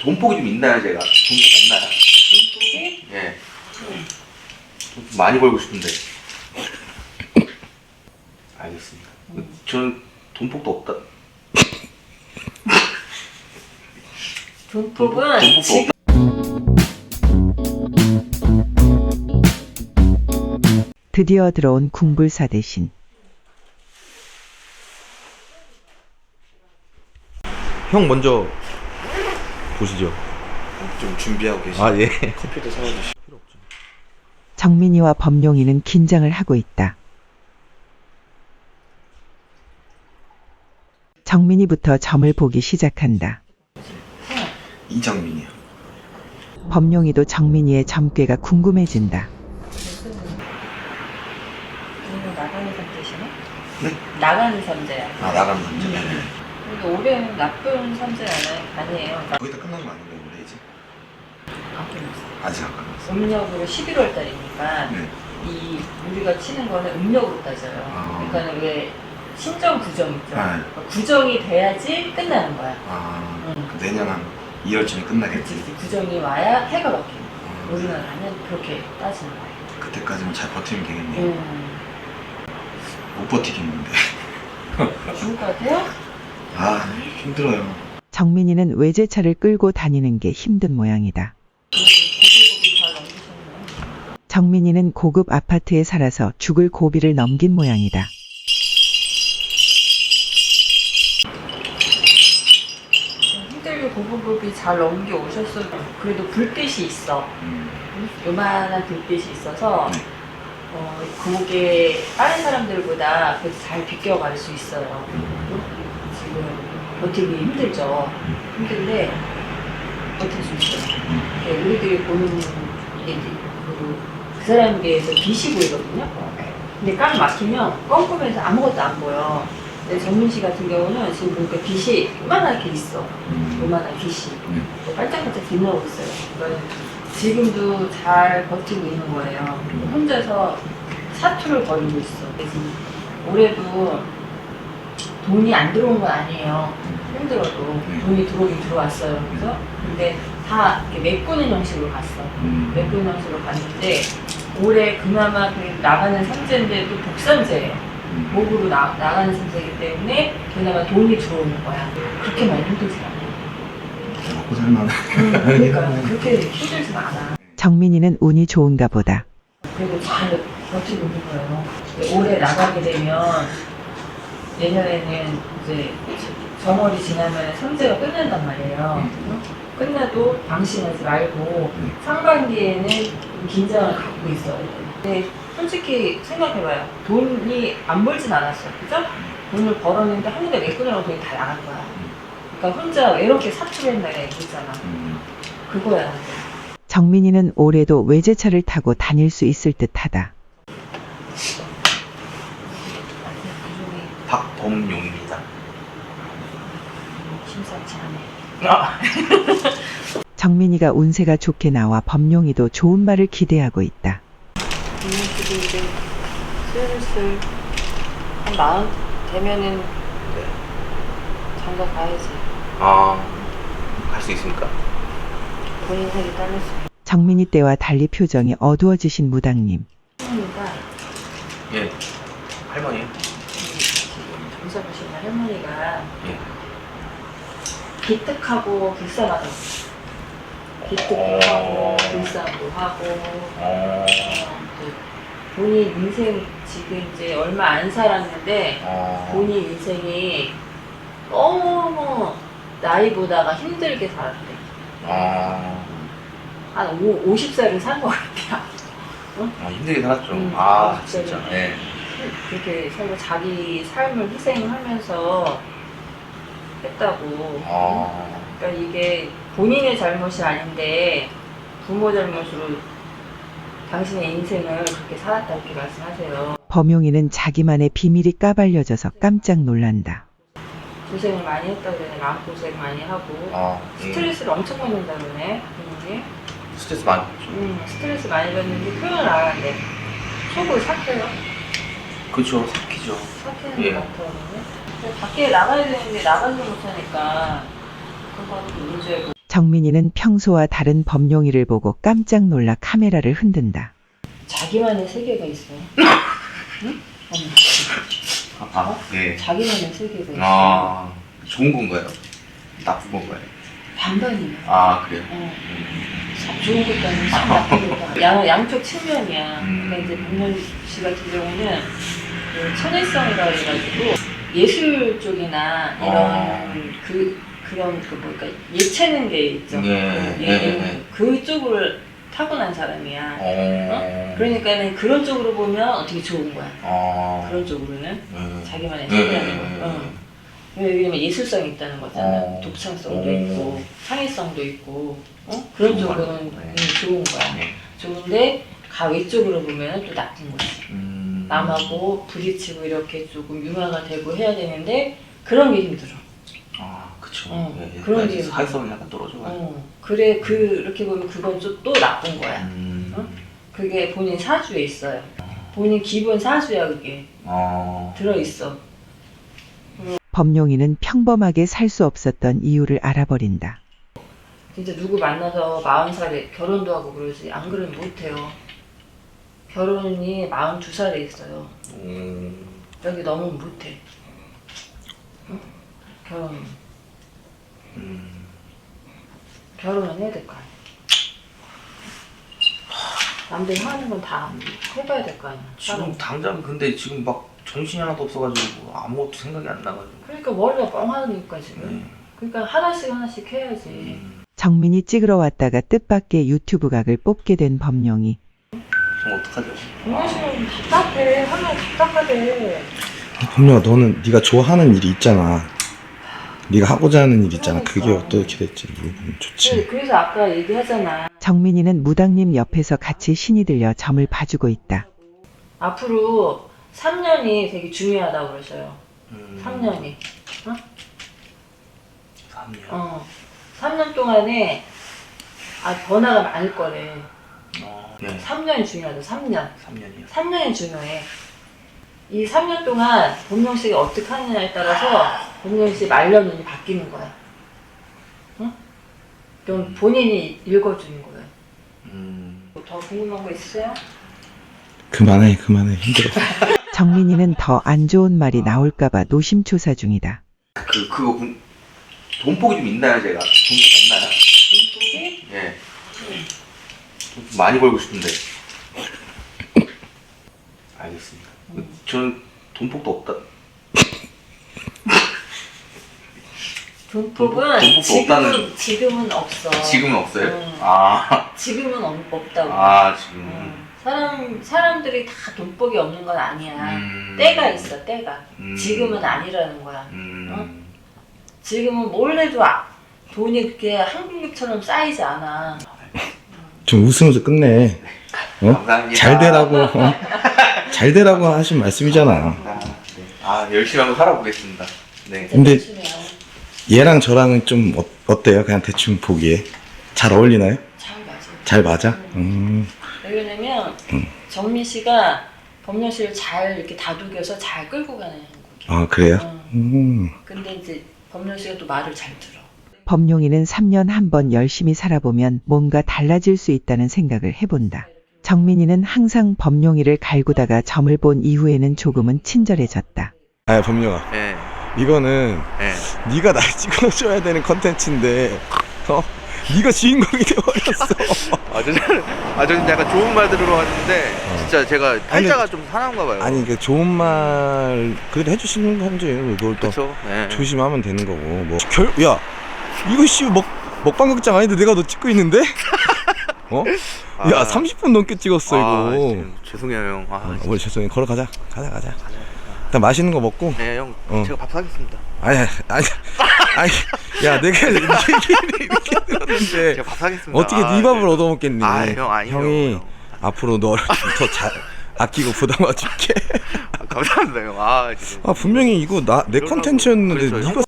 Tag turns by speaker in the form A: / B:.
A: 돈복이 좀 있나요, 제가? 돈복 없나요?
B: 돈복이?
A: 예. 좀 많이 벌고 싶은데. 알겠습니다. 저는 돈복도 없다.
B: 돈복은
A: 돈복도
B: 지금
A: 없다.
C: 드디어 들어온 궁불사 대신
A: 형 먼저 보시죠.
D: 좀 준비하고 계시.
A: 아, 예.
D: 커피도 사와주시. 필요 없죠.
C: 정민이와 범용이는 긴장을 하고 있다. 정민이부터 점을 보기 시작한다.
D: 이정민이요.
C: 범용이도 정민이의 점괘가 궁금해진다.
B: 이거 나가는 선제시네?
D: 네?
B: 나가는 선제야.
D: 아 나가는 남자. 네.
B: 근데 올해는 나쁜 선제 아니에요.
D: 거의 다 끝난 거 아닌가요 올해 이제?
B: 안 끝났어.
D: 아직 안 끝났어.
B: 음력으로 11월 달이니까
D: 네.
B: 이 우리가 치는 거는 음력으로 따져요.
D: 아.
B: 그러니까 왜 신정 구정 있죠.
D: 네.
B: 구정이 돼야지 끝나는 거야.
D: 아
B: 응.
D: 그 내년 한 2월쯤에 끝나겠지.
B: 그치, 구정이 와야 해가 바뀌는 거야. 우리나라는 그렇게 따지는 거야.
D: 그때까지는 잘 버티면 되겠네요. 못 버티겠는데.
B: 죽을 것 같아요?
D: 아 힘들어요.
C: 정민이는 외제차를 끌고 다니는 게 힘든 모양이다.
B: 고기고기 잘 넘기셨네요.
C: 정민이는 고급 아파트에 살아서 죽을 고비를 넘긴 모양이다.
B: 힘들게 고급이 잘 넘겨 오셨어요. 그래도 불빛이 있어. 요만한 불빛이 있어서
D: 네.
B: 그게 다른 사람들보다 그래도 잘 비껴갈 수 있어요. 지금 버티기 힘들죠. 힘든데 버틸 수 있어요. 우리들이 보는 게 이제 그 사람에 비해서 빛이 보이거든요. 근데 꽉 막히면 껌껌해서 아무것도 안 보여. 근데 정민 씨 같은 경우는 지금 보니까 빛이 요만하게 있어. 요만한 빛이. 반짝반짝 빛나고 있어요. 그러니까 지금도 잘 버티고 있는 거예요. 혼자서 사투를 벌이고 있어. 그래서 올해도 돈이 안 들어온 건 아니에요. 힘들어도 돈이 들어오긴 들어왔어요. 그래서 근데 다 이렇게 메꾸는 형식으로 갔어. 메꾸는 형식으로 갔는데 올해 그나마 그 나가는 상제인데도 복산제예요. 목으로 나가는 상제이기 때문에 그나마 돈이 들어오는 거야. 그렇게 많이 힘들지 않아.
D: 먹고 살만한.
B: 그러니까 그렇게 힘들진 않아.
C: 정민이는 운이 좋은가 보다.
B: 그래도 잘 버티고 있는 거예요. 올해 나가게 되면 내년에는 이제 정월이 지나면 삼재가 끝난단 말이에요. 끝나도 방심하지 말고 상반기에는 긴장을 갖고 있어야 돼요. 근데 솔직히 생각해봐요. 돈이 안 벌진 않았어. 그죠? 돈을 벌었는데 한 군데 메꾸느라고 돈이 다 나간 거야. 그러니까 혼자 외롭게 사투했다가 얘기했잖아. 그거야.
C: 정민이는 올해도 외제차를 타고 다닐 수 있을 듯하다.
A: 박범용입니다.
B: 심상치 않네.
C: 정민이가 운세가 좋게 나와 범용이도 좋은 말을 기대하고 있다.
B: 이모씨도 이제 슬슬 한 마흔 되면은 장가 가야지.
A: 아, 갈 수 있습니까?
B: 본인 살이 따를 수 있는.
C: 정민이 때와 달리 표정이 어두워지신 무당님.
B: 할머니가
A: 예. 할머니?
B: 점사 보시는 할머니가
A: 예.
B: 기특하고 불쌍하다. 기특하고 불쌍도 하고 본인 인생 지금 이제 얼마 안 살았는데 본인 인생이 너무 나이보다가 힘들게 살았대. 한 50살을 산 것 같아요.
A: 힘들게 살았죠.
B: 아,
A: 진짜. 예.
B: 그렇게 살고 자기 삶을 희생하면서 했다고. 그러니까 이게 본인의 잘못이 아닌데 부모 잘못으로 당신의 인생을 그렇게 살았다 이렇게 말씀하세요.
C: 범용이는 자기만의 비밀이 까발려져서 깜짝 놀란다.
B: 고생을 많이 했다고 그러네. 마음고생 많이 하고 스트레스를 엄청 받는다 그러네. 본인이.
A: 스트레스 많이 받죠.
B: 스트레스 많이 받는데 표현을 안 하는데 속을 삭혀요.
A: 그렇죠. 삭히죠.
B: 삭히는
A: 예.
B: 것 같아요. 근데 밖에 나가야 되는데 나가지 못하니까 그건 문제고.
C: 정민이는 평소와 다른 범용이를 보고 깜짝 놀라 카메라를 흔든다.
B: 자기만의 세계가 있어. 응?
A: 네.
B: 자기만의 세계가 있어.
A: 아, 좋은 건가요? 나쁜 건가요?
B: 반반이야.
A: 아, 그래요?
B: 좋은 것도 아니고 참 나쁜 것도 아니고 양쪽 측면이야.
A: 음.
B: 그러니까 이제 박명희 씨 같은 경우는 그 천혜성이라 해가지고 예술 쪽이나 이런 그런 뭐랄까 예체능 게 있죠. 그쪽을 타고난 사람이야. 그러니까는 그런 쪽으로 보면 어떻게 좋은 거야. 그런 쪽으로는 자기만의 세계라는 거. 왜냐면 예술성이 있다는 거잖아. 독창성도 있고 창의성도 있고 그런 쪽으로는 좋은 거야. 좋은데 외쪽으로 보면 또 나쁜 거지. 남하고 부딪히고 이렇게 조금 융화가 되고 해야 되는데 그런 게 힘들어.
A: 아, 그쵸.
B: 그런 게
A: 사회성이 약간 떨어져가지고.
B: 그래 그렇게 보면 그건 또 나쁜 거야. 그게 본인 사주에 있어요. 본인 기본 사주야 그게. 들어있어.
C: 범용이는 평범하게 살 수 없었던 이유를 알아버린다.
B: 진짜 누구 만나서 40살에 결혼도 하고 그러지 안 그러면 못해요. 결혼이 42살에 있어요. 여기 넘으면 못해. 응? 결혼은 해야 될 거 아니야. 남들이 하는 건 다 해봐야 될 거 아니야.
A: 지금 당장 근데 지금 막 정신이 하나도 없어가지고 아무것도 생각이 안 나가지고.
B: 그러니까 머리가 뻥하니까 지금. 그러니까 하나씩 해야지.
C: 정민이 찍으러 왔다가 뜻밖의 유튜브 각을 뽑게 된 범용이.
A: 그럼 어떡하죠?
B: 정말 씨는 답답해. 하면 답답하대.
D: 범용아, 너는 네가 좋아하는 일이 있잖아. 네가 하고자 하는 일 있잖아. 그게 어떻게 될지 물어보면 좋지.
B: 그래서 아까 얘기하잖아.
C: 정민이는 무당님 옆에서 같이 신이 들려 점을 봐주고 있다.
B: 앞으로 3년이 되게 중요하다고 그러셔요. 3년이.
A: 3년.
B: 3년 동안에 변화가 많을 거래.
A: 네.
B: 3년이 중요하다. 3년.
A: 3년이요.
B: 3년이 중요해. 이 3년 동안 본명 씨가 어떻게 하느냐에 따라서 본명 씨 말년운이 바뀌는 거야. 응? 그럼 본인이 읽어주는 거야. 더 궁금한 거 있으세요?
D: 그만해 힘들어.
C: 정민이는 더 안 좋은 말이 나올까봐 노심초사 중이다.
A: 그거 돈복이 좀 있나요, 제가? 돈복 없나요?
B: 돈복이?
A: 예. 좀 많이 벌고 싶은데. 알겠습니다. 저는 돈복도 없다.
B: 돈복은
A: 돈복도 없다는.
B: 지금은 없어.
A: 지금은 없어요?
B: 지금은 없다고.
A: 지금.
B: 사람들이 다 돈복이 없는 건 아니야. 때가 있어, 때가. 지금은 아니라는 거야. 지금은 뭘 해도 돈이 그렇게 한국처럼 쌓이지 않아.
D: 좀 웃으면서 끝내.
A: 감사합니다.
D: 잘 되라고 하신 말씀이잖아.
A: 열심히 한번 살아보겠습니다. 네.
D: 근데 얘랑 저랑은 좀 어때요? 그냥 대충 보기에 잘 어울리나요?
B: 잘 맞아.
D: 잘 맞아?
B: 왜냐면 정민 씨가 범령 씨를 잘 이렇게 다독여서 잘 끌고 가는 거야.
D: 아, 그래요?
B: 근데 이제 범령 씨가 또 말을 잘 들어.
C: 범용이는 3년 한 번 열심히 살아보면 뭔가 달라질 수 있다는 생각을 해본다. 정민이는 항상 범용이를 갈구다가 점을 본 이후에는 조금은 친절해졌다.
D: 아, 범용아.
A: 네.
D: 이거는 네가 날 찍어줘야 되는 컨텐츠인데 네가 주인공이 되어버렸어.
A: 저는 약간 좋은 말 들으러 왔는데 진짜 제가 팔자가 좀 사나운가 봐요.
D: 아니, 그 좋은 말 그래도 해주시는 건지 이걸 또
A: 그쵸? 네.
D: 조심하면 되는 거고 뭐. 야, 이거 씨 먹방극장 아닌데 내가 너 찍고 있는데? 야, 30분 넘게 찍었어 이거.
A: 죄송해요, 형.
D: 뭘 죄송해. 걸어가자. 가자. 일단 맛있는 거 먹고.
A: 네, 형. 제가 밥 사겠습니다.
D: 아니, 야, 내가 얘기를 이렇게 들었는데
A: 제가 밥 사겠습니다.
D: 어떻게 네 밥을 얻어먹겠니?
A: 형,
D: 형이
A: 형.
D: 앞으로 너를 더 잘 아끼고 보담아줄게.
A: 감사합니다, 형. 진짜.
D: 분명히 이거 내 컨텐츠였는데
A: 그렇죠.
D: 네가